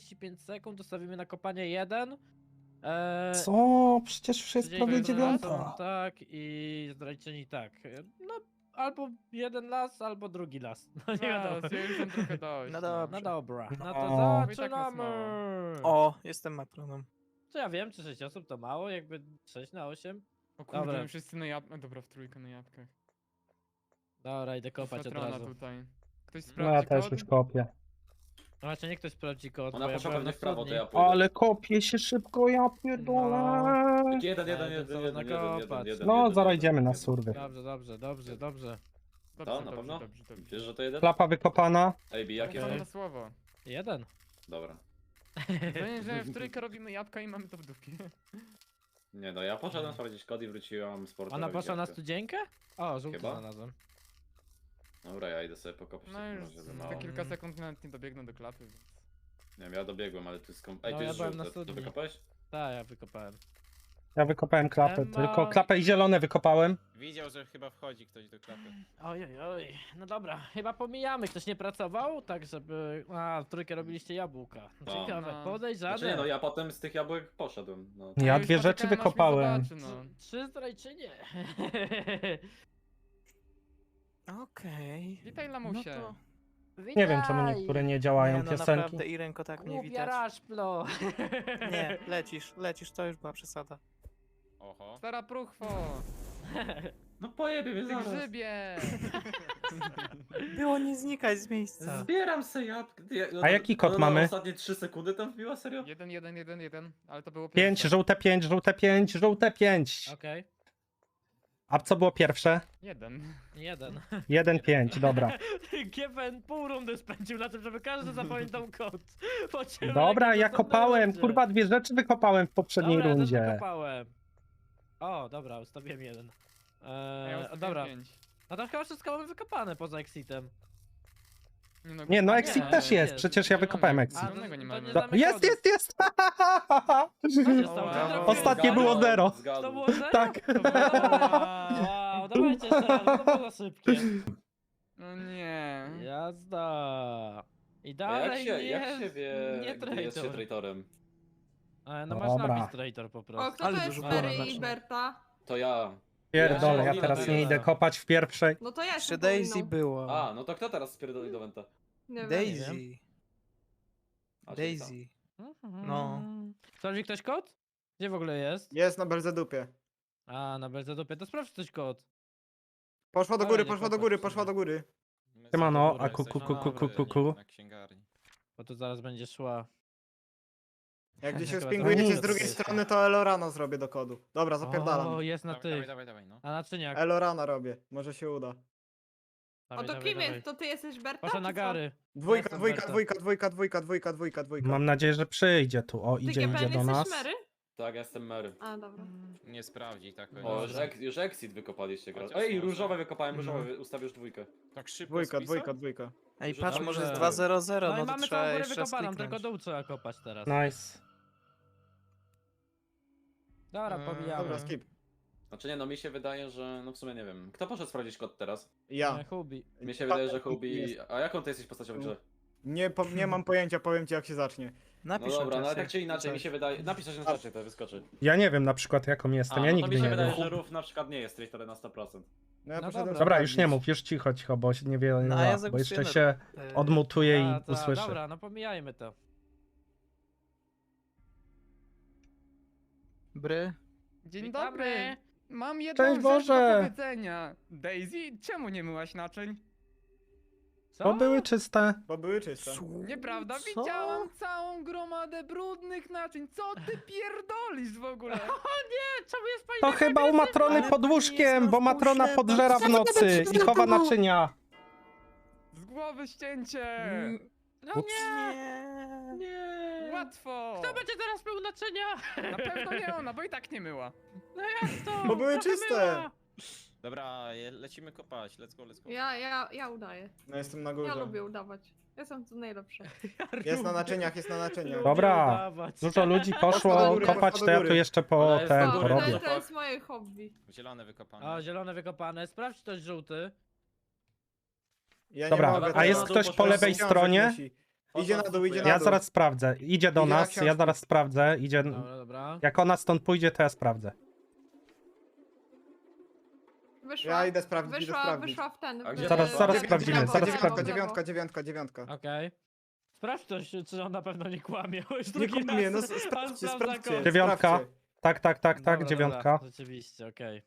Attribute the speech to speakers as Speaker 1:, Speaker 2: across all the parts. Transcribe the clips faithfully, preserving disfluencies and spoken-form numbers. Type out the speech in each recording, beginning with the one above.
Speaker 1: trzydzieści pięć sekund, dostawimy na kopanie jeden. Eee,
Speaker 2: Co? Przecież już jest
Speaker 1: tydzień
Speaker 2: prawie
Speaker 1: razem,
Speaker 2: dziewiąta.
Speaker 1: Tak, i zdrajczyni tak. No, albo jeden las, albo drugi las. No nie wiadomo.
Speaker 3: Las, ja już mam trochę dość.
Speaker 4: No
Speaker 1: No
Speaker 4: dobrze.
Speaker 1: dobra, no
Speaker 2: No.
Speaker 1: to
Speaker 3: I tak nas
Speaker 1: zaczynamy!
Speaker 4: O, jestem matronem.
Speaker 1: Co ja wiem, czy sześć osób to mało, jakby sześć na osiem?
Speaker 3: O kurde,
Speaker 1: Dobra.
Speaker 3: my wszyscy na jabłkach. Dobra, w trójkę na jabłkach.
Speaker 1: Dobra, idę kopać od
Speaker 3: Patrona
Speaker 1: razu.
Speaker 3: tutaj. Ktoś
Speaker 2: No ja
Speaker 3: sprawdzi
Speaker 2: też
Speaker 3: kod?
Speaker 2: już kopię.
Speaker 1: No właśnie, niech ktoś sprawdzi kod,
Speaker 5: Ona
Speaker 1: bo ja
Speaker 5: poszła
Speaker 1: byłem
Speaker 5: pewnie
Speaker 1: na
Speaker 5: w prawo, to
Speaker 1: studni.
Speaker 5: ja pójdę.
Speaker 2: Ale kopię się szybko, ja pierdolę.
Speaker 1: No.
Speaker 5: Tak, jeden, jeden,
Speaker 1: Ale
Speaker 5: jeden,
Speaker 1: to
Speaker 5: jeden,
Speaker 1: co
Speaker 5: jeden, jeden,
Speaker 1: nakopać?
Speaker 5: jeden,
Speaker 2: No,
Speaker 5: jeden,
Speaker 2: zaraz
Speaker 5: jeden,
Speaker 2: idziemy na
Speaker 5: jeden.
Speaker 2: surwy.
Speaker 1: Dobrze, dobrze, dobrze, dobrze.
Speaker 3: Dobrze,
Speaker 5: To, na
Speaker 3: dobrze,
Speaker 5: pewno?
Speaker 3: dobrze, dobrze.
Speaker 5: Wiesz, że to jeden?
Speaker 2: Klapa wykopana.
Speaker 5: Ej, Bi, jakie
Speaker 3: Jakie
Speaker 5: są?
Speaker 3: na słowo.
Speaker 1: Jeden.
Speaker 5: Dobra.
Speaker 3: Zdaje, że w trójkę robimy jabłka i mamy to w dupie.
Speaker 5: Nie no, ja poszedłem sprawdzić kod i wróciłam z portu.
Speaker 1: Ona
Speaker 5: robić
Speaker 1: poszła na
Speaker 5: jabłkę.
Speaker 1: studzienkę? O, żółty
Speaker 5: Chyba?
Speaker 1: znalazłem.
Speaker 5: Dobra, ja idę sobie pokopać.
Speaker 3: No
Speaker 5: w takim
Speaker 3: już
Speaker 5: razie, za
Speaker 3: za
Speaker 5: mało.
Speaker 3: kilka sekund nawet nie dobiegnę do klapy, więc...
Speaker 5: Nie wiem, ja dobiegłem, ale tu jest kom... Ej,
Speaker 1: No,
Speaker 5: tu
Speaker 1: ja
Speaker 5: jest
Speaker 1: byłem na
Speaker 5: żółte. To
Speaker 1: studni.
Speaker 5: wykopałeś?
Speaker 1: Tak, ja wykopałem.
Speaker 2: Ja wykopałem klapę,
Speaker 1: Ema.
Speaker 2: tylko klapę i zielone wykopałem.
Speaker 6: Widział, że chyba wchodzi ktoś do klapy.
Speaker 1: Oj, oj, oj. No dobra, chyba pomijamy. Ktoś nie pracował, tak żeby... A, w trójkę robiliście jabłka.
Speaker 5: No.
Speaker 1: Ciekawe,
Speaker 3: No.
Speaker 1: podejrzane.
Speaker 5: Znaczy nie, no ja potem z tych jabłek poszedłem. No.
Speaker 2: Ja
Speaker 3: już
Speaker 2: dwie rzeczy
Speaker 3: poczekałem, aż mnie
Speaker 2: wykopałem.
Speaker 3: zobaczy, no.
Speaker 1: Trzy zdrajczynie.
Speaker 4: Okej.
Speaker 3: Witaj,
Speaker 4: No
Speaker 3: lamusie.
Speaker 4: to...
Speaker 2: Nie wiem, czemu niektóre nie działają
Speaker 4: Nie, no
Speaker 2: piosenki.
Speaker 4: naprawdę, Irenko, tak mnie
Speaker 1: Głupia
Speaker 4: widać.
Speaker 1: raszplo.
Speaker 4: Nie, lecisz, lecisz, to już była przesada.
Speaker 6: Oho.
Speaker 3: Stara próchwo!
Speaker 5: No pojebie mnie
Speaker 3: Ty
Speaker 5: zaraz.
Speaker 3: grzybie!
Speaker 4: Było nie znikać z miejsca.
Speaker 5: Zbieram se jabłkę. Ty, no,
Speaker 2: A jaki kod
Speaker 5: no,
Speaker 2: mamy?
Speaker 5: No, ostatnie trzy sekundy tam wbiła, serio?
Speaker 3: Jeden, jeden, jeden, jeden, ale to było
Speaker 2: Pięć,
Speaker 3: pierwsze.
Speaker 2: żółte pięć, żółte pięć, żółte pięć.
Speaker 1: Okej,
Speaker 2: A co było pierwsze?
Speaker 3: Jeden.
Speaker 1: jeden.
Speaker 2: Jeden, pięć, dobra.
Speaker 1: G P N pół rundy spędził na tym, żeby każdy zapamiętał kod. Po ciemku,
Speaker 2: Dobra,
Speaker 1: jak
Speaker 2: ja
Speaker 1: to
Speaker 2: kopałem,
Speaker 1: będzie.
Speaker 2: kurwa, dwie rzeczy wykopałem w poprzedniej
Speaker 1: Dobra, ja też
Speaker 2: rundzie.
Speaker 1: wykopałem. O, dobra, ustawiłem jeden.
Speaker 3: A ja
Speaker 1: Eee,
Speaker 3: ustawiłem
Speaker 1: dobra,
Speaker 3: pięć.
Speaker 1: no to chyba wszystko mamy wykopane poza Exitem.
Speaker 2: Nie, no
Speaker 1: A,
Speaker 2: Exit
Speaker 1: nie,
Speaker 2: też
Speaker 1: nie,
Speaker 2: jest,
Speaker 1: jest.
Speaker 2: przecież ja
Speaker 3: Zielonego.
Speaker 2: wykopałem
Speaker 3: A,
Speaker 2: Exit.
Speaker 1: to-
Speaker 3: Zielonego nie
Speaker 1: to
Speaker 3: mamy.
Speaker 1: nie
Speaker 2: Do,
Speaker 1: znamy
Speaker 2: jest,
Speaker 1: kodu.
Speaker 2: jest, jest!
Speaker 1: Co się stało?
Speaker 3: O,
Speaker 1: Co
Speaker 3: brawo.
Speaker 1: trafiłeś?
Speaker 2: Ostatnie było
Speaker 1: Zgadłem?
Speaker 2: zero.
Speaker 5: Zgadłem.
Speaker 1: To było zero?
Speaker 2: Tak.
Speaker 1: To było... Wow, dawajcie jeszcze raz, to było za szybkie.
Speaker 3: No nie.
Speaker 1: Jazda. I
Speaker 5: A jak
Speaker 1: dalej
Speaker 5: się,
Speaker 1: nie,
Speaker 5: jak się wie,
Speaker 1: nie
Speaker 5: gdy jest się
Speaker 1: traitor.
Speaker 5: traitorem?
Speaker 1: E, no masz
Speaker 2: Dobra.
Speaker 1: napis traitor po
Speaker 7: O,
Speaker 1: prostu.
Speaker 7: kto
Speaker 4: Ale
Speaker 7: to jest
Speaker 4: dużo
Speaker 7: Mary
Speaker 4: było
Speaker 7: i
Speaker 4: znacznie.
Speaker 7: Berta?
Speaker 5: To ja.
Speaker 2: Pierdolę, ja
Speaker 5: Ja
Speaker 2: teraz
Speaker 5: się
Speaker 2: nie idę kopać w pierwszej.
Speaker 7: No to ja jestem
Speaker 4: Jeszcze Daisy
Speaker 7: powinną.
Speaker 4: było.
Speaker 5: A, no to kto teraz spierdoli do Wenta?
Speaker 7: Nie wiem.
Speaker 4: Daisy.
Speaker 5: A, czyli tam.
Speaker 4: Daisy.
Speaker 1: Mhm.
Speaker 4: No.
Speaker 1: Sprawdzi ktoś kod? Gdzie w ogóle jest?
Speaker 8: Jest na Belzedupie.
Speaker 1: A, na Belzedupie, to sprawdź ktoś kod.
Speaker 8: Poszła do
Speaker 1: Ale
Speaker 8: góry,
Speaker 1: nie
Speaker 8: poszła do
Speaker 1: kopać
Speaker 8: góry,
Speaker 1: w sumie.
Speaker 8: poszła do góry.
Speaker 6: My
Speaker 2: Siemano,
Speaker 6: sobie
Speaker 2: a
Speaker 6: dobra
Speaker 2: ku, ku,
Speaker 6: jesteśmy,
Speaker 2: ku, ku, ku, ku, ku.
Speaker 6: Na księgarni.
Speaker 1: Bo tu zaraz będzie szła.
Speaker 8: Jak gdzieś się
Speaker 1: Chyba
Speaker 8: spingujecie
Speaker 2: to
Speaker 8: z drugiej
Speaker 1: jest.
Speaker 8: strony, to Elorana zrobię do kodu. Dobra, zapierdalam.
Speaker 1: O, jest na
Speaker 6: Dawaj, dawaj,
Speaker 1: tych.
Speaker 6: dawaj, dawaj, no.
Speaker 1: A naczyniak.
Speaker 8: Elorana robię, może się uda.
Speaker 7: O
Speaker 1: Dawaj,
Speaker 7: to
Speaker 1: dawaj,
Speaker 7: kim
Speaker 1: dawaj.
Speaker 7: jest? To ty jesteś Berta?
Speaker 1: Poszła
Speaker 7: czy
Speaker 1: na
Speaker 7: co?
Speaker 1: gary.
Speaker 8: Dwójka,
Speaker 1: Jestem
Speaker 8: dwójka,
Speaker 1: Berta.
Speaker 8: dwójka, dwójka, dwójka, dwójka, dwójka, dwójka.
Speaker 2: Mam nadzieję, że przyjdzie tu. O,
Speaker 7: Ty
Speaker 2: idzie,
Speaker 7: G P
Speaker 2: idzie
Speaker 7: N
Speaker 2: do
Speaker 7: jesteś
Speaker 2: nas.
Speaker 7: Mary?
Speaker 5: Tak, ja jestem Mary.
Speaker 7: A, dobra.
Speaker 6: Nie sprawdzi tak.
Speaker 5: O, już, ek, już Exit wykopaliście gra.
Speaker 6: Chociaż
Speaker 5: Ej,
Speaker 6: może.
Speaker 5: różowe wykopałem, różowe,
Speaker 2: Mhm.
Speaker 5: wy- ustawię już dwójkę.
Speaker 6: Tak szybko
Speaker 8: Dwójka,
Speaker 6: spisał?
Speaker 8: dwójka, dwójka.
Speaker 4: Ej,
Speaker 5: Że
Speaker 4: patrz,
Speaker 5: dobrze.
Speaker 4: może jest dwa zero zero,
Speaker 1: No
Speaker 4: no
Speaker 1: i
Speaker 4: to
Speaker 1: mamy
Speaker 4: trzeba
Speaker 1: całą górę
Speaker 4: jeszcze raz
Speaker 1: wykopaną, tylko
Speaker 4: kliknąć.
Speaker 1: dół trzeba kopać teraz.
Speaker 2: Nice.
Speaker 1: Dobra,
Speaker 3: Eee,
Speaker 1: pomijamy.
Speaker 8: Dobra, skip.
Speaker 5: Znaczy nie, no mi się wydaje, że... No w sumie nie wiem. Kto poszedł sprawdzić kod teraz?
Speaker 8: Ja.
Speaker 1: E, Hubi.
Speaker 5: Mi się wydaje, że
Speaker 8: Jest.
Speaker 5: Hubi... A jaką ty jesteś postacią w grze?
Speaker 8: Nie, po, nie mam pojęcia, powiem ci jak się zacznie.
Speaker 5: No
Speaker 4: Napisz
Speaker 5: dobra, no ale
Speaker 4: czasie.
Speaker 5: tak czy inaczej, mi
Speaker 4: Coś.
Speaker 5: się wydaje... Napisz coś na czacie, to wyskoczy.
Speaker 2: Ja nie wiem na przykład jaką jestem,
Speaker 5: A,
Speaker 2: ja
Speaker 5: no to
Speaker 2: nigdy
Speaker 5: mi się
Speaker 2: nie
Speaker 5: wydaje,
Speaker 2: wiem.
Speaker 5: że Ruf na przykład nie jest traitorem na sto procent.
Speaker 8: No ja
Speaker 1: No
Speaker 8: poszedłem
Speaker 1: dobra.
Speaker 2: Dobra, już nie
Speaker 8: sprawdzić.
Speaker 2: mów, już cicho, cicho, bo się niewiele
Speaker 4: No,
Speaker 2: nie
Speaker 4: a ja
Speaker 2: da, bo
Speaker 4: zagłosuję
Speaker 2: jeszcze
Speaker 4: na-
Speaker 2: się
Speaker 4: Eee,
Speaker 2: odmutuję
Speaker 1: A,
Speaker 2: i
Speaker 1: ta,
Speaker 2: usłyszę.
Speaker 1: Dobra, no pomijajmy to.
Speaker 4: Bry.
Speaker 3: Dzień
Speaker 1: Witamy.
Speaker 3: dobry. Mam jedną
Speaker 2: Cześć
Speaker 3: rzecz
Speaker 2: Boże.
Speaker 3: do powiedzenia. Daisy, czemu nie myłaś naczyń?
Speaker 1: Co?
Speaker 2: Bo były czyste.
Speaker 8: Bo były czyste.
Speaker 3: Nieprawda,
Speaker 4: Co?
Speaker 3: widziałam całą gromadę brudnych naczyń. Co ty pierdolisz w ogóle?
Speaker 1: Czemu jest pani
Speaker 2: To
Speaker 1: taka
Speaker 2: chyba u
Speaker 1: agresywna?
Speaker 2: Matrony
Speaker 4: Ale
Speaker 2: pod
Speaker 4: pani
Speaker 2: łóżkiem,
Speaker 4: jest
Speaker 2: bo
Speaker 4: na
Speaker 2: Matrona
Speaker 4: wpuszczę,
Speaker 2: podżera w
Speaker 4: to-
Speaker 2: nocy i chowa naczynia.
Speaker 3: Z głowy ścięcie!
Speaker 4: Mm,
Speaker 1: No
Speaker 2: Ups.
Speaker 1: nie,
Speaker 4: Nie.
Speaker 1: nie.
Speaker 3: Łatwo!
Speaker 1: Kto będzie teraz mył naczynia?
Speaker 3: Na pewno nie ona, bo i tak nie myła.
Speaker 1: No jak to?
Speaker 8: Bo były
Speaker 1: Trochę
Speaker 8: czyste.
Speaker 1: myła.
Speaker 6: Dobra, je- lecimy kopać, let's go, let's go.
Speaker 7: Ja, ja, ja udaję.
Speaker 8: No jestem na
Speaker 7: Ja
Speaker 8: górze.
Speaker 7: lubię udawać. Jestem tu najlepsza.
Speaker 8: Jest na naczyniach, jest na naczyniach.
Speaker 1: Lubię
Speaker 2: Dobra.
Speaker 1: udawać.
Speaker 2: Dużo ludzi
Speaker 8: Poszła do
Speaker 2: poszło
Speaker 8: góry,
Speaker 2: kopać,
Speaker 8: poszła
Speaker 2: to ja
Speaker 8: do
Speaker 2: tu
Speaker 8: góry.
Speaker 2: jeszcze po
Speaker 5: Ona jest
Speaker 2: ten
Speaker 5: na
Speaker 7: O,
Speaker 5: górę,
Speaker 2: porobię.
Speaker 7: to, to jest moje hobby.
Speaker 6: Zielone wykopane.
Speaker 1: O, zielone wykopane. Sprawdź ktoś żółty.
Speaker 8: Ja nie
Speaker 2: Dobra,
Speaker 8: mogę
Speaker 2: a
Speaker 8: teraz.
Speaker 2: jest
Speaker 5: na dół
Speaker 2: ktoś po
Speaker 5: poszła
Speaker 2: lewej
Speaker 8: Książek
Speaker 2: stronie?
Speaker 8: musi. Idzie na dół, idzie na
Speaker 2: Ja
Speaker 8: dół.
Speaker 2: zaraz sprawdzę. Idzie do
Speaker 8: Idzie na
Speaker 2: nas, ja
Speaker 8: książki.
Speaker 2: zaraz sprawdzę. Idzie...
Speaker 1: Dobra, dobra.
Speaker 2: Jak ona stąd pójdzie, to ja sprawdzę.
Speaker 7: Wyszła,
Speaker 8: Ja idę sprawdzić, idę
Speaker 7: wyszła,
Speaker 8: sprawdzić.
Speaker 7: wyszła w ten.
Speaker 5: A
Speaker 7: w-
Speaker 5: gdzie
Speaker 2: Zaraz-
Speaker 7: w-
Speaker 2: zaraz
Speaker 7: w-
Speaker 2: sprawdzimy,
Speaker 7: w- w-
Speaker 2: zaraz
Speaker 7: w- w-
Speaker 8: Dziewiątka,
Speaker 7: w-
Speaker 8: dziewiątka, dziewiątka, dziewiątka.
Speaker 1: Okej. Sprawdź to, czy on na pewno nie kłamie. Już
Speaker 8: Nie
Speaker 1: drugi
Speaker 8: kłamie, no
Speaker 1: raz
Speaker 8: s-
Speaker 1: on
Speaker 8: sprawdźcie,
Speaker 1: sprawdza
Speaker 8: sprawdźcie.
Speaker 1: kod.
Speaker 2: Dziewiątka.
Speaker 8: sprawdźcie.
Speaker 2: Tak, tak, tak, tak,
Speaker 1: Dobra,
Speaker 2: dziewiątka.
Speaker 1: Dobra, rzeczywiście, okej.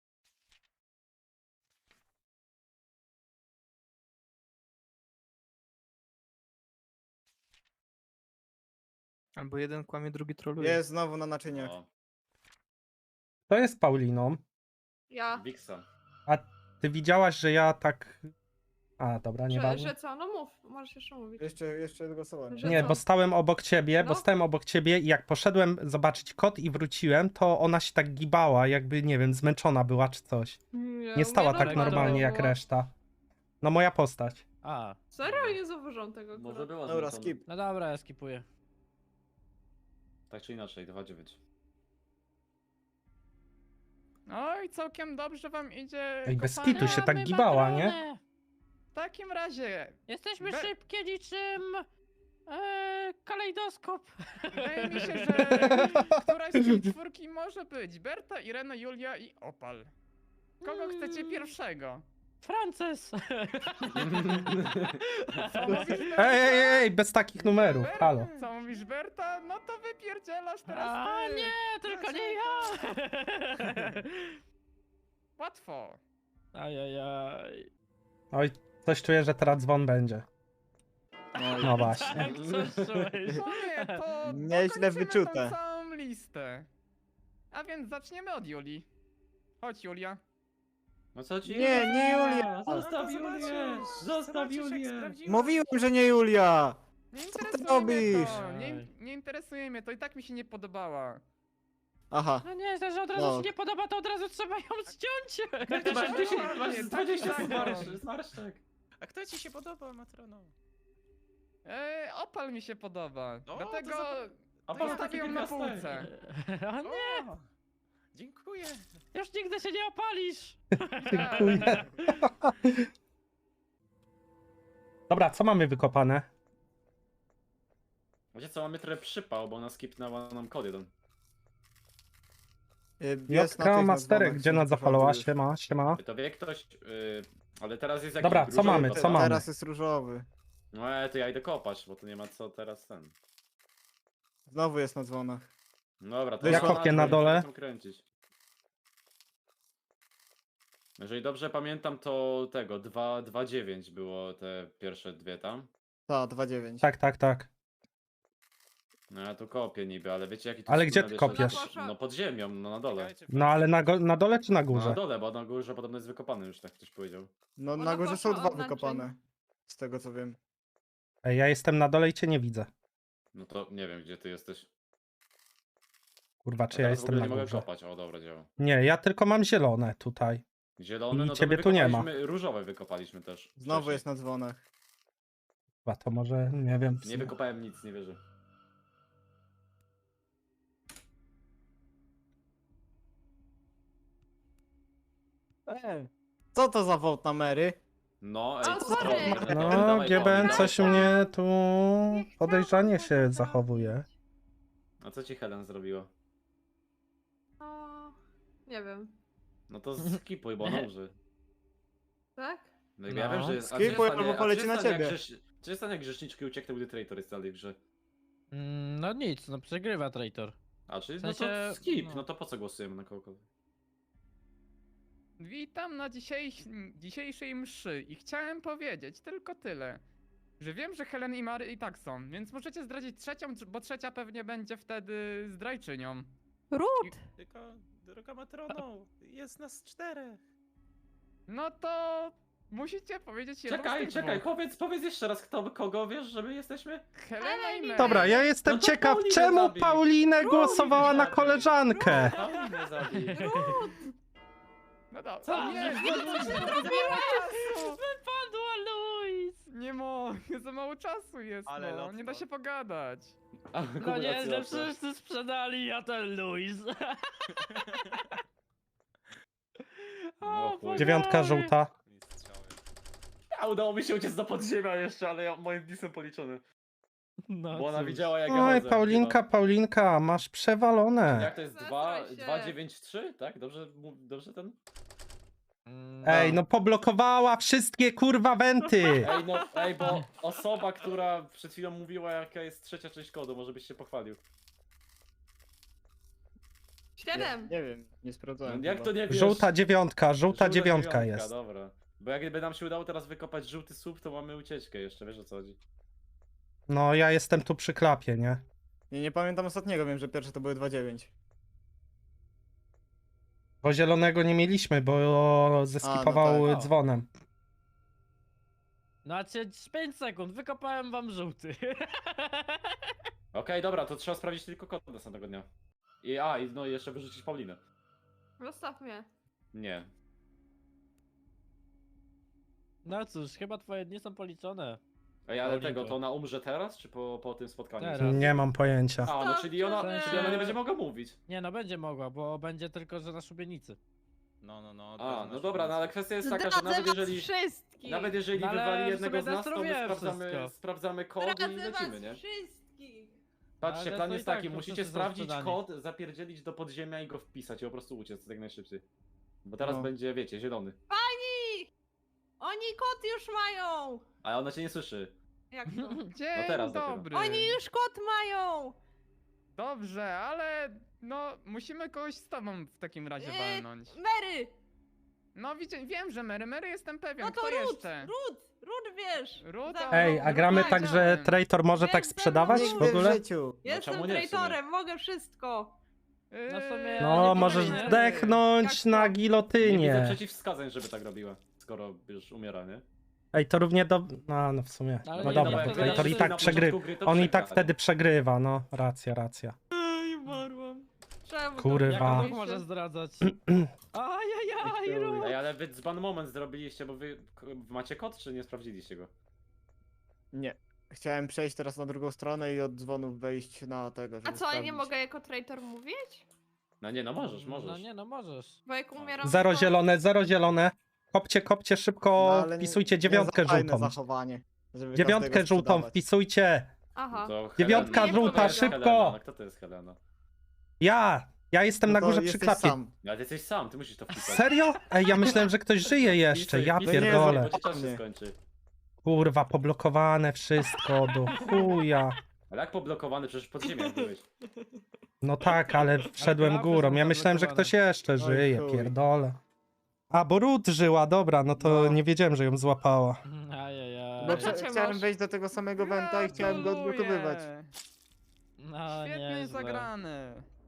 Speaker 4: Albo jeden kłamie, drugi troluje.
Speaker 8: Jest znowu na naczyniach.
Speaker 5: O,
Speaker 2: To jest Pauliną.
Speaker 7: Ja.
Speaker 5: Wixa.
Speaker 2: Ty widziałaś, że ja tak... A, dobra,
Speaker 7: Że,
Speaker 2: nieważne.
Speaker 7: że co? No mów, możesz jeszcze mówić.
Speaker 8: Jeszcze, jeszcze głosowanie.
Speaker 7: Że
Speaker 2: Nie,
Speaker 7: co?
Speaker 2: bo stałem obok ciebie, bo
Speaker 7: No.
Speaker 2: stałem obok ciebie i jak poszedłem zobaczyć kod i wróciłem, to ona się tak gibała, jakby, nie wiem, zmęczona była czy coś.
Speaker 7: Nie,
Speaker 2: Nie
Speaker 7: u
Speaker 2: stała
Speaker 7: mnie
Speaker 2: tak
Speaker 1: normalnie
Speaker 2: normalnie jak
Speaker 7: było.
Speaker 2: reszta. No moja postać.
Speaker 1: A,
Speaker 7: Serio? Nie zauważyłam tego.
Speaker 5: Może
Speaker 7: akurat.
Speaker 5: była
Speaker 8: Dobra,
Speaker 5: zmęczona.
Speaker 8: skip.
Speaker 1: no dobra, ja skipuję.
Speaker 5: Tak czy inaczej, dwa dziewięć.
Speaker 3: Oj, całkiem dobrze wam idzie.
Speaker 2: Ej, bez
Speaker 3: kochani.
Speaker 2: kitu się tak
Speaker 1: Mamy
Speaker 2: gibała, nie?
Speaker 1: matronę.
Speaker 3: W takim razie,
Speaker 1: Jesteśmy
Speaker 3: Be-
Speaker 1: szybkie niczym... E, kalejdoskop.
Speaker 3: wydaje mi się, że któraś z tej czwórki może być. Berta, Irena, Julia i Opal. Kogo chcecie
Speaker 1: Mm.
Speaker 3: pierwszego?
Speaker 1: Frances.
Speaker 3: Co mówisz, Berta?
Speaker 2: Ej, ej, ej, bez takich numerów,
Speaker 3: Ber-
Speaker 2: halo.
Speaker 3: Co mówisz, Berta? No to wypierdzielasz teraz
Speaker 1: A
Speaker 3: ty.
Speaker 1: nie, tylko nie ja.
Speaker 3: Łatwo.
Speaker 1: Ajajaj.
Speaker 2: Oj, coś czuję, że teraz dzwon będzie. No właśnie.
Speaker 1: Tak, coś czułeś.
Speaker 3: No nie, to
Speaker 8: Nieźle
Speaker 3: dokończymy
Speaker 8: wyczute.
Speaker 3: tą całą listę. A więc zaczniemy od Julii. Chodź, Julia.
Speaker 5: No co ci?
Speaker 8: Nie, nie Julia!
Speaker 5: Zostaw Julię! Zostaw Julię!
Speaker 8: Mówiłem, że nie Julia!
Speaker 3: Nie
Speaker 8: Co ty
Speaker 3: interesuje mnie
Speaker 8: robisz?
Speaker 3: to. Nie, nie interesuje mnie to i tak mi się nie podobała.
Speaker 8: Aha.
Speaker 1: No nie, że od razu
Speaker 8: No.
Speaker 1: się nie podoba, to od razu trzeba ją zdjąć.
Speaker 5: Ty masz dziesięć,
Speaker 3: Dokładnie,
Speaker 5: masz
Speaker 3: tak
Speaker 5: dwadzieścia
Speaker 3: samo.
Speaker 5: zmarsz- zmarszczek.
Speaker 6: A kto ci się podoba, Matrono?
Speaker 3: E, Opal mi się podoba.
Speaker 6: O,
Speaker 3: Dlatego
Speaker 6: to za-
Speaker 5: A
Speaker 3: to
Speaker 5: pan
Speaker 3: zostawię
Speaker 5: taki
Speaker 3: ją na
Speaker 5: piękny
Speaker 3: półce.
Speaker 1: A nie,
Speaker 6: O, dziękuję.
Speaker 1: już nigdy się nie opalisz.
Speaker 2: Dziękuję. Dobra, co mamy wykopane?
Speaker 5: Wiecie co, mamy trochę przypał, bo ona skipnęła nam kod jeden.
Speaker 8: Y, Jest na
Speaker 2: Jotka
Speaker 8: tych
Speaker 2: Masterek,
Speaker 8: nazwanych,
Speaker 2: gdzie
Speaker 8: są
Speaker 2: nas zapalała?
Speaker 8: już.
Speaker 2: Siema, siema.
Speaker 5: To wie ktoś, yy, ale teraz jest jakiś
Speaker 2: Dobra, co
Speaker 5: różowy
Speaker 2: mamy,
Speaker 5: kod.
Speaker 2: co mamy?
Speaker 8: Teraz jest różowy.
Speaker 5: No ale to ja idę kopać, bo to nie ma co teraz ten.
Speaker 8: Znowu jest na dzwonach.
Speaker 5: Dobra, to
Speaker 8: Ja
Speaker 5: ona-
Speaker 2: kopię na
Speaker 5: żeby
Speaker 2: dole.
Speaker 5: tam kręcić. Jeżeli dobrze pamiętam, to tego, dwa dziewięć było te pierwsze dwie tam.
Speaker 8: Ta, dwa dziewięć.
Speaker 2: Tak, tak, tak.
Speaker 5: No ja tu kopię niby, ale wiecie jaki tu
Speaker 2: Ale
Speaker 5: jest
Speaker 2: gdzie ty
Speaker 5: tunel jeszcze?
Speaker 2: kopiesz?
Speaker 5: No pod ziemią, no na dole.
Speaker 6: Czekajcie,
Speaker 2: No ale na, go, na dole czy na
Speaker 5: No na
Speaker 2: górze?
Speaker 5: dole, bo na górze podobno jest wykopany już, tak ktoś powiedział.
Speaker 8: No
Speaker 7: Ona
Speaker 8: na górze są
Speaker 7: poszła
Speaker 8: dwa
Speaker 7: od naczyń.
Speaker 8: wykopane. Z tego co wiem.
Speaker 2: Ej, ja jestem na dole i cię nie widzę.
Speaker 5: No to nie wiem, gdzie ty jesteś.
Speaker 2: Kurwa,
Speaker 5: A
Speaker 2: czy ja
Speaker 5: teraz w
Speaker 2: jestem
Speaker 5: ogóle
Speaker 2: na
Speaker 5: nie mogę
Speaker 2: górze?
Speaker 5: kopać, o dobra, działa.
Speaker 2: Nie, ja tylko mam zielone tutaj.
Speaker 5: Zielony,
Speaker 2: I
Speaker 5: no to
Speaker 2: ciebie
Speaker 5: my
Speaker 2: tu nie ma.
Speaker 5: wykopaliśmy- Różowe wykopaliśmy też.
Speaker 8: Znowu
Speaker 5: wcześniej.
Speaker 8: jest na dzwonach.
Speaker 2: Chyba to może, nie wiem. w
Speaker 5: Nie
Speaker 2: sumie.
Speaker 5: wykopałem nic, nie wierzę.
Speaker 8: Ej, co to za wołt na Mary?
Speaker 5: No,
Speaker 7: O,
Speaker 5: ej, co
Speaker 7: sorry.
Speaker 5: robisz?
Speaker 2: No,
Speaker 5: Dawaj,
Speaker 2: G B N
Speaker 5: dawaj,
Speaker 2: coś
Speaker 5: dawaj.
Speaker 2: mnie tu
Speaker 7: Nie chciałam
Speaker 2: podejrzanie
Speaker 7: tego
Speaker 2: się
Speaker 7: zrobić.
Speaker 2: zachowuje.
Speaker 5: A co ci Helen zrobiła?
Speaker 7: O, nie wiem.
Speaker 5: No to skipuj, bo ona umrze.
Speaker 7: Tak?
Speaker 5: No ja
Speaker 1: No.
Speaker 5: wiem, że jest... a
Speaker 8: Skipuj,
Speaker 5: czy jest
Speaker 8: albo
Speaker 5: stanie- a
Speaker 8: poleci
Speaker 5: czy
Speaker 8: na
Speaker 5: jest stanie,
Speaker 8: ciebie.
Speaker 5: jak grzesz- Czy jest stanie, jak grzeszniczki uciekną, gdy traitor jest dalej w grze?
Speaker 1: Mm, no nic, no przegrywa traitor.
Speaker 5: A, czyli
Speaker 1: W
Speaker 5: no
Speaker 1: sensie,
Speaker 5: to skip,
Speaker 1: no.
Speaker 5: no to po co głosujemy na kogokolwiek?
Speaker 3: Witam na dzisiejś, dzisiejszej mszy i chciałem powiedzieć tylko tyle. Że wiem, że Helen i Mary i tak są, więc możecie zdradzić trzecią, bo trzecia pewnie będzie wtedy zdrajczynią.
Speaker 4: Ród!
Speaker 6: Tylko, droga Matrono, jest nas czterech.
Speaker 3: No to musicie powiedzieć jedną z
Speaker 5: Czekaj,
Speaker 3: tych
Speaker 5: czekaj,
Speaker 3: dwóch.
Speaker 5: powiedz, powiedz jeszcze raz, kto, kogo wiesz, że my jesteśmy?
Speaker 3: Helena i Mary.
Speaker 2: Dobra, ja jestem
Speaker 5: No to
Speaker 2: ciekaw,
Speaker 5: Paulinę
Speaker 2: czemu
Speaker 5: zabij.
Speaker 2: Paulinę głosowała na
Speaker 5: zabij.
Speaker 2: koleżankę.
Speaker 5: Paulinę zabij.
Speaker 3: No dobra,
Speaker 5: Co?
Speaker 3: nie,
Speaker 5: Co
Speaker 3: nie,
Speaker 5: ty
Speaker 3: nie,
Speaker 5: zrobiłaś?
Speaker 3: za mało czasu!
Speaker 1: Wypadła Luis!
Speaker 3: Nie mogę, za mało czasu jest,
Speaker 6: Ale
Speaker 3: no,
Speaker 6: lotko.
Speaker 3: nie da się pogadać.
Speaker 5: A,
Speaker 1: No
Speaker 5: kumulacja
Speaker 1: nie, że
Speaker 5: osób.
Speaker 1: wszyscy sprzedali, a ten Luis.
Speaker 5: O chuj.
Speaker 2: Dziewiątka żółta.
Speaker 6: Strzały.
Speaker 5: A udało mi się uciec do podziemia jeszcze, ale ja, moim dnisem policzony.
Speaker 1: No
Speaker 5: Bo ona
Speaker 1: cóż.
Speaker 5: widziała jak ja
Speaker 2: Oj,
Speaker 5: chodzę,
Speaker 2: Paulinka, Paulinka, masz
Speaker 5: chyba.
Speaker 2: przewalone.
Speaker 5: Jak to jest
Speaker 7: Zestraj się.
Speaker 5: dwa dziewięć trzy, tak? Dobrze, mu- dobrze ten?
Speaker 1: Mm,
Speaker 2: Ej, no poblokowała wszystkie kurwa wenty.
Speaker 5: Ej, no, ej, bo osoba, która przed chwilą mówiła jaka jest trzecia część kodu, może byś się pochwalił.
Speaker 7: Siedem.
Speaker 8: Nie, nie wiem, nie sprawdzałem.
Speaker 5: Jak
Speaker 8: chyba.
Speaker 5: to nie wiesz?
Speaker 2: Żółta dziewiątka, żółta dziewiątka jest.
Speaker 5: Dobra. Bo jakby nam się udało teraz wykopać żółty słup, to mamy ucieczkę jeszcze, wiesz o co chodzi.
Speaker 2: No ja jestem tu przy klapie, nie?
Speaker 8: Nie, nie pamiętam ostatniego, wiem, że pierwsze to były dwa dziewięć.
Speaker 2: Bo zielonego nie mieliśmy, bo zeskipował
Speaker 8: tak.
Speaker 2: dzwonem.
Speaker 1: No a cię pięć sekund, wykopałem wam żółty.
Speaker 5: Okej, dobra, to trzeba sprawdzić tylko kod następnego dnia. I a, i no i jeszcze wyrzucić Paulinę.
Speaker 7: Zostaw mnie.
Speaker 5: Nie.
Speaker 1: No cóż, chyba twoje dni są policzone.
Speaker 5: Ej, ale
Speaker 1: Paulinko.
Speaker 5: tego, to ona umrze teraz, czy po, po tym spotkaniu?
Speaker 1: Teraz.
Speaker 2: Nie mam pojęcia.
Speaker 5: A, no czyli ona,
Speaker 7: Zostawcie
Speaker 5: czyli ona nie
Speaker 1: mnie.
Speaker 5: będzie mogła mówić.
Speaker 1: Nie no, będzie mogła, bo będzie tylko, że na szubienicy.
Speaker 6: No, no, no.
Speaker 5: A, no dobra, no ale kwestia jest taka, że
Speaker 7: Zdradzę
Speaker 5: nawet
Speaker 7: was
Speaker 5: jeżeli,
Speaker 7: wszystkich.
Speaker 5: nawet jeżeli
Speaker 1: No ale
Speaker 5: wywali
Speaker 1: w
Speaker 5: jednego
Speaker 1: sumie
Speaker 5: z nas, to my
Speaker 1: Destro wie
Speaker 5: sprawdzamy,
Speaker 1: wszystko.
Speaker 5: sprawdzamy kod i
Speaker 7: Zdradzę was
Speaker 5: lecimy, nie?
Speaker 7: wszystkich.
Speaker 5: Patrzcie,
Speaker 1: Ale
Speaker 5: plan
Speaker 1: to i
Speaker 5: jest
Speaker 1: tak
Speaker 5: taki,
Speaker 1: to
Speaker 5: musicie
Speaker 1: wszyscy są
Speaker 5: sprawdzić
Speaker 1: sprzedani.
Speaker 5: kod, zapierdzielić do podziemia i go wpisać i po prostu uciec jak najszybciej. Bo teraz
Speaker 8: No.
Speaker 5: będzie, wiecie, zielony.
Speaker 7: Pani! Oni kot już mają!
Speaker 5: Ale ona cię nie słyszy.
Speaker 7: Jak to?
Speaker 3: Dzień
Speaker 5: No teraz dopiero.
Speaker 3: dobry.
Speaker 7: Oni już kot mają!
Speaker 3: Dobrze, ale no musimy kogoś z tobą w takim razie
Speaker 7: Yy,
Speaker 3: walnąć.
Speaker 7: Mary!
Speaker 3: No widzę, wiem, że Mary, Mary jestem pewien.
Speaker 7: No to
Speaker 3: Kto
Speaker 7: Ruth!
Speaker 3: jeszcze?
Speaker 7: Ruth! Ruth wiesz!
Speaker 3: Ruth,
Speaker 7: Za
Speaker 3: a-
Speaker 7: mną.
Speaker 2: Ej, a
Speaker 3: no
Speaker 2: gramy
Speaker 3: tak,
Speaker 2: tak, że
Speaker 3: widziałem.
Speaker 2: traitor może
Speaker 7: Jest
Speaker 2: tak
Speaker 7: ze mną
Speaker 2: sprzedawać w
Speaker 8: Nigdy w
Speaker 2: ogóle?
Speaker 8: życiu.
Speaker 7: Jestem
Speaker 5: czemu nie w sumie?
Speaker 7: traitorem, mogę wszystko!
Speaker 3: Yy,
Speaker 1: No w sumie-
Speaker 2: No,
Speaker 1: nie
Speaker 2: możesz
Speaker 1: powinien.
Speaker 2: zdechnąć
Speaker 3: Jak
Speaker 2: na
Speaker 3: to?
Speaker 5: Nie widzę
Speaker 2: gilotynie.
Speaker 5: przeciwwskazań, żeby tak robiła, skoro już umiera, nie?
Speaker 2: Ej, to równie do... No, no w sumie.
Speaker 1: Ale
Speaker 2: No
Speaker 1: nie,
Speaker 2: dobra,
Speaker 1: no,
Speaker 2: to
Speaker 1: bo
Speaker 2: traitor i
Speaker 1: jak
Speaker 2: tak
Speaker 5: na
Speaker 2: przegrywa.
Speaker 5: początku gry to
Speaker 2: On i tak
Speaker 5: przegra,
Speaker 2: wtedy przegrywa, no. Racja, racja.
Speaker 7: Ej, umarłam. Czemu to
Speaker 2: Kurwa.
Speaker 1: Jak
Speaker 2: Dwa.
Speaker 1: Bóg może zdradzać? Ajajaj, Ruth!
Speaker 5: Ej, ale wy dzban moment zrobiliście, bo wy k- macie kod, czy nie sprawdziliście go?
Speaker 8: Nie. Chciałem przejść teraz na drugą stronę i od dzwonów wejść na tego, żeby
Speaker 7: A co, ja nie
Speaker 8: sprawdzić.
Speaker 7: mogę jako traitor mówić?
Speaker 5: No nie, no możesz,
Speaker 1: No
Speaker 5: możesz.
Speaker 1: nie no, możesz.
Speaker 7: Bo jak umieram...
Speaker 2: Zero
Speaker 7: to-
Speaker 2: zielone, zero zielone. Kopcie, kopcie szybko,
Speaker 8: No, ale nie-
Speaker 2: wpisujcie
Speaker 8: nie
Speaker 2: dziewiątkę
Speaker 8: za fajne
Speaker 2: żółtą.
Speaker 8: zachowanie, żeby
Speaker 2: Dziewiątkę
Speaker 8: każdego
Speaker 2: żółtą
Speaker 8: sprzedawać.
Speaker 2: wpisujcie.
Speaker 7: Aha.
Speaker 5: To
Speaker 2: Dziewiątka
Speaker 5: Helena.
Speaker 7: żółta,
Speaker 5: Kto to jest
Speaker 2: szybko!
Speaker 5: Helena? No, kto to jest Helena?
Speaker 2: Ja! Ja jestem
Speaker 8: No
Speaker 2: na
Speaker 8: to
Speaker 2: górze przy
Speaker 8: jesteś
Speaker 2: klapie.
Speaker 8: sam.
Speaker 5: Ale ty jesteś sam, ty musisz to wpisać.
Speaker 2: Serio? Ej, ja myślałem, że ktoś żyje jeszcze.
Speaker 5: Wpisuj,
Speaker 2: Ja
Speaker 5: wpisuj,
Speaker 8: nie,
Speaker 2: pierdolę.
Speaker 5: Bo ci czas się
Speaker 8: Nie.
Speaker 5: skończy.
Speaker 2: Kurwa, poblokowane wszystko do chuja.
Speaker 5: Ale jak poblokowany, przecież pod ziemią byłeś.
Speaker 2: No tak, ale wszedłem
Speaker 1: klapy
Speaker 2: górą.
Speaker 1: są
Speaker 2: Ja myślałem, że
Speaker 1: zablokowane.
Speaker 2: ktoś jeszcze żyje,
Speaker 8: chuj.
Speaker 2: pierdolę. A, bo Ruth żyła, dobra, no to
Speaker 8: No.
Speaker 2: nie wiedziałem, że ją złapała.
Speaker 1: Ajajaj.
Speaker 8: Bo
Speaker 7: Ale
Speaker 8: prze-
Speaker 7: cię
Speaker 8: chciałem
Speaker 7: masz.
Speaker 8: wejść do tego samego wenta i chciałem go odblokowywać.
Speaker 1: No
Speaker 3: Świetnie
Speaker 1: nieźle.
Speaker 3: zagrane.